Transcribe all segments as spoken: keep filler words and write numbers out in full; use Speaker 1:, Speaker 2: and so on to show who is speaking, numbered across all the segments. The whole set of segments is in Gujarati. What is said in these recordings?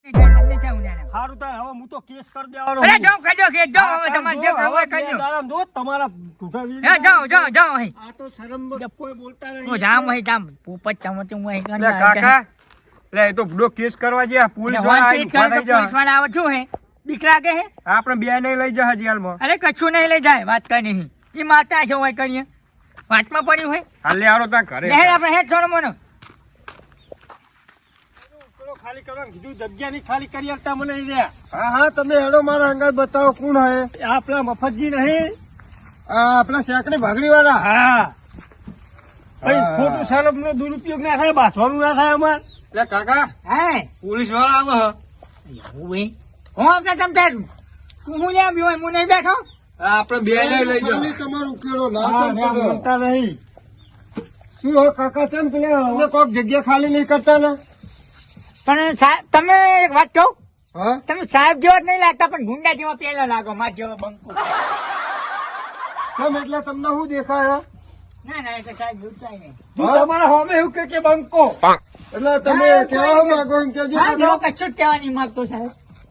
Speaker 1: સારું તાર હવે હું તો કેસ કરી દેવાનો.
Speaker 2: અરે જાઓ કજો કે જાઓ હવે તમારે જે કરવું હોય કરજો.
Speaker 1: દારામ દો તમારા ઢૂંઢા વીર.
Speaker 2: હે જાઓ જાઓ જાઓ અહીં.
Speaker 1: આ તો શરમ કોઈ બોલતા નહીં.
Speaker 2: હું જામ અહીં જામ પોપટ ચમચ હું અહીં
Speaker 1: લે કાકા લે એ તો બુડો કેસ કરવા જે પોલીસ વાળા આવી ઉભા થઈ જા.
Speaker 2: પોલીસ વાળા આવે છું હે બીક લાગે હે
Speaker 1: આપણે બે નહીં લઈ જા જેલમાં.
Speaker 2: અરે કશું નહીં લઈ જાય વાત કઈ નહીં એ માતા છે હોય કરીએ વાતમાં પડ્યું હોય
Speaker 1: હાલ લે આરો તા ઘરે
Speaker 2: લે આપણે હે છોડ મોનો
Speaker 1: ખાલી કરવા કીધું જગ્યા ની ખાલી કરી આપતા મને લઈ દે.
Speaker 3: હા હા તમે હેડો મારા અંગત બતાવો કોણ હે.
Speaker 1: આ આપણા મફતજી નહીં
Speaker 3: આ આપણા સેકડી ભાગડી વાળા.
Speaker 1: હા ભાઈ ખોટું શરમ નો દુરુપયોગ ના થાય બાથવાનું ના થાય અમાર.
Speaker 3: એટલે કાકા
Speaker 2: હે
Speaker 3: પોલીસ વાળા આવે
Speaker 2: હું ભાઈ હું આપણે તમ તાર તું હું લે આવ્યો હોય હું નહીં બેઠો
Speaker 3: આપણે બે નહીં લઈ જાઓ. તમારું ઉકેલો ના
Speaker 1: હા,
Speaker 3: ચમ
Speaker 1: ના,
Speaker 3: કરો.
Speaker 1: બોલતા નહીં.
Speaker 3: શું હો કાકા ચમ પેલા અમને કોક જગ્યા ખાલી નહીં કરતા ને.
Speaker 2: પણ સાહેબ તમે એક વાત કહું
Speaker 3: હા
Speaker 2: તમે સાહેબ જેવા જ નહીં લાગતા પણ ગુંડા જેવા પેલા લાગો માર જેવા બંકો
Speaker 3: કેમ એટલે તમને શું દેખાય?
Speaker 2: ના ના એટલે સાહેબ જોતા નહીં
Speaker 1: તું તમારા હોમે એવું કે કે બંકો
Speaker 3: એટલે તમે
Speaker 2: હા,
Speaker 3: કેવા માંગો એમ કેજો.
Speaker 2: સાહેબ એવો કશું જ કહેવા નહીં માંગતો સાહેબ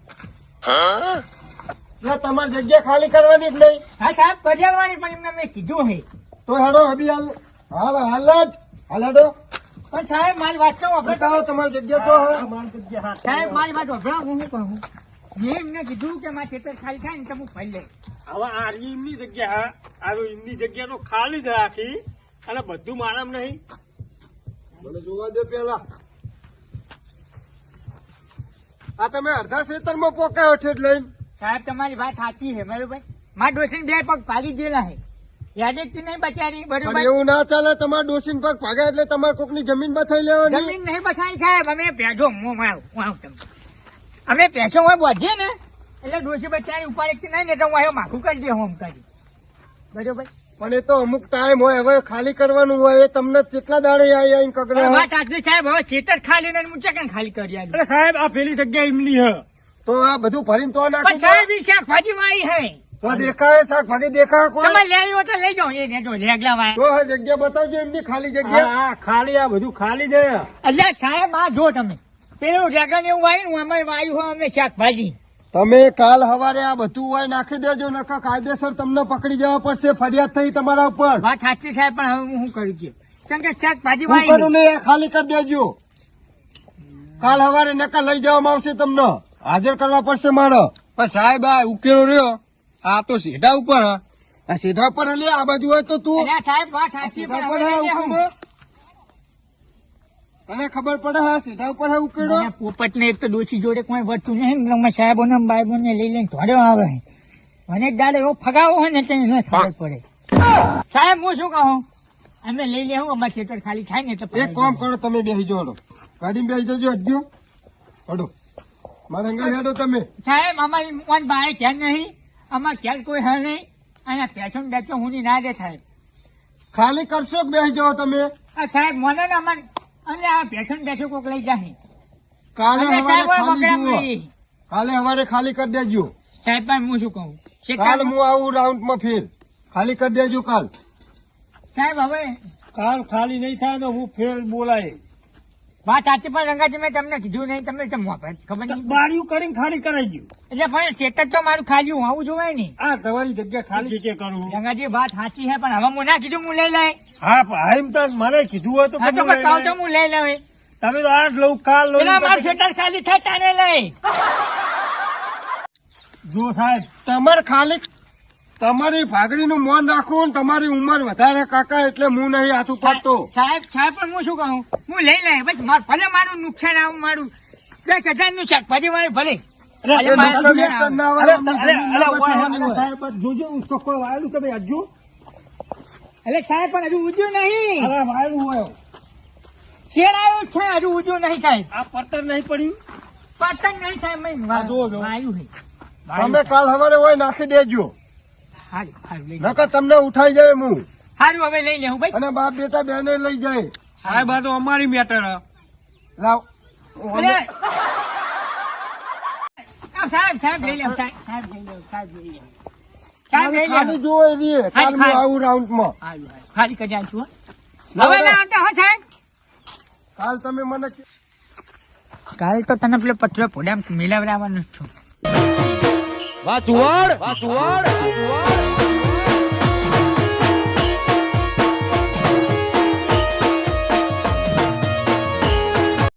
Speaker 3: એટલે તમારી જગ્યા ખાલી કરવાની જ નહીં.
Speaker 2: હા સાહેબ પર્યાવરણી પણ એમને મેં કીધું હે
Speaker 3: તો હેડો અભી હાલ હાલ હાલ જ હાલ હેડો
Speaker 2: પણ સાહેબ મારી વાત કહું આપણે
Speaker 3: બતાવો તમારી જગ્યા તો હે.
Speaker 1: અમારી જગ્યા હાથ
Speaker 2: સાહેબ મારી વાત વભરા હું શું કહું મેં એમને કીધું કે મારે ખેતર ખાલી થાય ને તો હું ફરી લઈશ
Speaker 1: હવે આ રહી એમની જગ્યા આ એમની જગ્યા તો ખાલી જ રાખી અને બધું મારામ નહીં.
Speaker 3: મને જોવા દે પેલા. આ તમે અડધા ખેતરમાં પોકાયો ઠેઠ લઈને.
Speaker 2: સાહેબ તમારી વાત સાચી છે બરોબર મારા ડોસીને બે પગ ભાગી ગયેલા છે યાદ જ નહીં બચારી
Speaker 3: પણ
Speaker 2: બરોબર
Speaker 3: એવું ના ચાલે. તમારા ડોસીન પગ ભાગ્યા એટલે તમારે કોકની જમીન બથાઈ લેવાની.
Speaker 2: જમીન નહીં બસાઈ સાહેબ અમે ભેજો હું આવું હું આવું તમને અમે ભેંસો હોય બોધીએ ને એટલે ડોસી બચારી ઉપર એક નહીં ને તો હું આવ્યો માખું કરી દે હોમ કરી બરોબર
Speaker 3: પણ એ તો અમુક ટાઈમ હોય હવે ખાલી કરવાનું હોય. એ તમને કેટલા દાડે આવી આવીને કગડે
Speaker 2: પણ
Speaker 3: હોય?
Speaker 2: વાત સાચી સાહેબ હવે ખેતર ખાલી ને હું ચકન ખાલી કરી આલ્યું.
Speaker 1: અરે સાહેબ આ પેલી જગ્યા એમની હ
Speaker 3: તો આ બધું ભરીને તો
Speaker 2: પણ
Speaker 3: નાખી દો.
Speaker 2: સાહેબ ઈ શાકભાજી વાળી હે
Speaker 3: તો દેખાય શાકભાજી દેખાય કોઈ?
Speaker 2: તમે લેવી હોય તો લઈ જાઓ એ લેજો લેગલા વાળા
Speaker 3: તો હા જગ્યા બતાવજો એમની ખાલી જગ્યા.
Speaker 1: હા હા, ખાલી આ બધું ખાલી જ હે.
Speaker 2: અલ્યા સાહેબ આ જો તમે પેલું લેગલા ને એવું વાયું અમે વાયું હોય અમે શાકભાજી
Speaker 3: તમે કાલ સવારે આ બધું હોય નાખી દેજો નકર કાયદેસર તમને પકડી જવા પડશે. ફરિયાદ થઈ તમારા ઉપર.
Speaker 2: વાત સાચી સાહેબ પણ હવે હું શું કરું છું કેમ કે શાકભાજી
Speaker 3: હું કરું
Speaker 2: વાળી
Speaker 3: ને એ ખાલી કરી દેજો. કાલ સવારે નકર લઈ જવામાં આવશે. તમને હાજર કરવા પડશે મારે.
Speaker 4: પણ સાહેબ આ ઉકેલો રહ્યો આ તો સીધા ઉપર હ.
Speaker 3: આ સીધા પર લે આ બાજુ હોય તો તું
Speaker 2: અલ્યા સાહેબ વાત સાચી
Speaker 3: સીધા
Speaker 2: પણ
Speaker 3: પર
Speaker 2: હવે
Speaker 3: હે
Speaker 2: લઈ
Speaker 3: ઉકેલો. તને ખબર પડે હા સીધા ઉપર હે ઉકેલો.
Speaker 2: મને પોપટ ને એક તો ડોસી જોડે કોઈ વધતું નહીં ને સાહેબો ને બાઈબો ને લઈ લઈને ધોડ્યો આવે મને એક દાડે એવો ફગાવો હોય ને તેને ન ખબર પડે સાહેબ હું શું કહું અમે લઈ લેવું અમારે ખેતર ખાલી થાય ને એટલે
Speaker 3: એક કામ કરો તમે બેસી જાઓ. ગાડીમાં બેસી જજો હજુ હડો મારે અંગા હેડો તમે.
Speaker 2: સાહેબ અમારી કોણ બાય ક્યાં નહીં અમારે ક્યાં કોઈ હે નહીં અને પેશન બેચો હું ના દે સાહેબ
Speaker 3: ખાલી કરશો કે બેસી જાઓ તમે.
Speaker 2: આ સાહેબ મને ને અમારે અને આ પેશન બેચો કોક લઈ જાય
Speaker 3: કાલે
Speaker 2: અમે
Speaker 3: સવારે
Speaker 2: સાહેબ
Speaker 3: ખાલી
Speaker 2: બકરા
Speaker 3: જુઓ.
Speaker 2: મળી.
Speaker 3: કાલે સવારે ખાલી કરી દેજો.
Speaker 2: સાહેબ પણ હું શું કહું
Speaker 3: કાલ
Speaker 2: શેતાન-
Speaker 3: હું આવું રાઉન્ડ માં ફેર ખાલી કરી દેજો કાલ.
Speaker 2: સાહેબ હવે
Speaker 1: કાલ ખાલી નહીં થાય તો હું ફેર બોલાય.
Speaker 2: વાત સાચી પણ રંગાજી મેં તમને કીધું નહીં તમને કેમ વાપરે? ખબર નહીં
Speaker 1: બારીઓ કરીને ખાલી કરાઈ ગયું.
Speaker 2: એટલે પણ શેતર તો મારું ખાલી હું આવું જોવાય નહીં
Speaker 3: આ તમારી જગ્યા
Speaker 1: ખાલી
Speaker 3: ખાલી.
Speaker 1: કે કરું.
Speaker 2: રંગાજી વાત સાચી છે પણ હવે હું ના કીધું હું લઈ લઈ
Speaker 1: હા પણ એમ તો મને કીધું હોય તો
Speaker 2: હા તો
Speaker 1: હું લઈ
Speaker 2: બતાવ તો
Speaker 1: લઉં.
Speaker 2: હું લઈ લઉં
Speaker 1: તમે તો આજ લઉં કાલ લઉં
Speaker 2: પેલા મારું
Speaker 1: પછી-
Speaker 2: શેતર ખાલી થાય તાને લઈ
Speaker 1: જો સાહેબ
Speaker 3: તમારે ખાલી તમારી ભાગડી નું મોન રાખવું ને તમારી ઉંમર વધારે કાકા એટલે હું નહીં હાથું પડતો.
Speaker 2: સાહેબ સાહેબ પણ હું શું કહું હું લઈ લઈ બસ માર- ભલે મારું નુકસાન આવું મારું દસ હજાર નું શાકભાજી વાળું ભલે
Speaker 1: અરે,
Speaker 2: ભલે
Speaker 3: એ
Speaker 2: મારું
Speaker 3: નુકસાન
Speaker 2: નુકસાન
Speaker 3: નુકસાન ના
Speaker 1: અરે,
Speaker 3: આવે.
Speaker 1: અરે,
Speaker 3: જમીન
Speaker 1: અરે,
Speaker 3: ના
Speaker 1: ઓય,
Speaker 3: બચાવવાની
Speaker 1: અરે,
Speaker 3: હોય.
Speaker 1: સાહેબ, જોજો હું ચોખ્ખો વાયેલું તમે હજુ
Speaker 2: એટલે સાહેબ પણ હજુ ઉજ્યું નહીં
Speaker 1: અરે વાયેલું હોય
Speaker 2: શેર આવ્યું છે હજુ ઉજ્યું નહીં સાહેબ
Speaker 1: આ પડતર નહીં પડ્યું.
Speaker 2: પતંગ નહીં સાહેબ મેં
Speaker 1: આ જુઓ, જુઓ.
Speaker 2: આવ્યું છે
Speaker 3: તમે કાલ સવારે હોય નાખી દેજો
Speaker 2: હારું હારું લઈ લઉં.
Speaker 3: નકર તમને ઉઠાઈ જાય હું
Speaker 2: હારું હવે લઈ લેવું ભાઈ
Speaker 3: અને બાપ બેટા બેને લઈ જાય.
Speaker 4: સાહેબ આ તો અમારી મેટર હ.
Speaker 3: લાવ
Speaker 2: અરે! આ સાહેબ સાહેબ લઈ લેવું સાહેબ સાહેબ લઈ લેવું સાહેબ લઈ લેવું સાહેબ લઈ
Speaker 3: ખાલી
Speaker 2: લેવું
Speaker 3: જોવો એવી કાલ હું
Speaker 2: ખાલી.
Speaker 3: આવું રાઉન્ડ માં.
Speaker 2: હારું હારું ખાલી કરી આવું છું હો.
Speaker 3: ના,
Speaker 2: હવે
Speaker 3: ના.
Speaker 2: ના આવતા હો સાહેબ
Speaker 3: કાલ તમે મને કે-
Speaker 2: કાલ તો તને પેલો પતરો પોડામ મિલાવડાવવાનો જ છું.
Speaker 5: વાહ ચુવાડ વાહ ચુવાડ વાહ ચુવાડ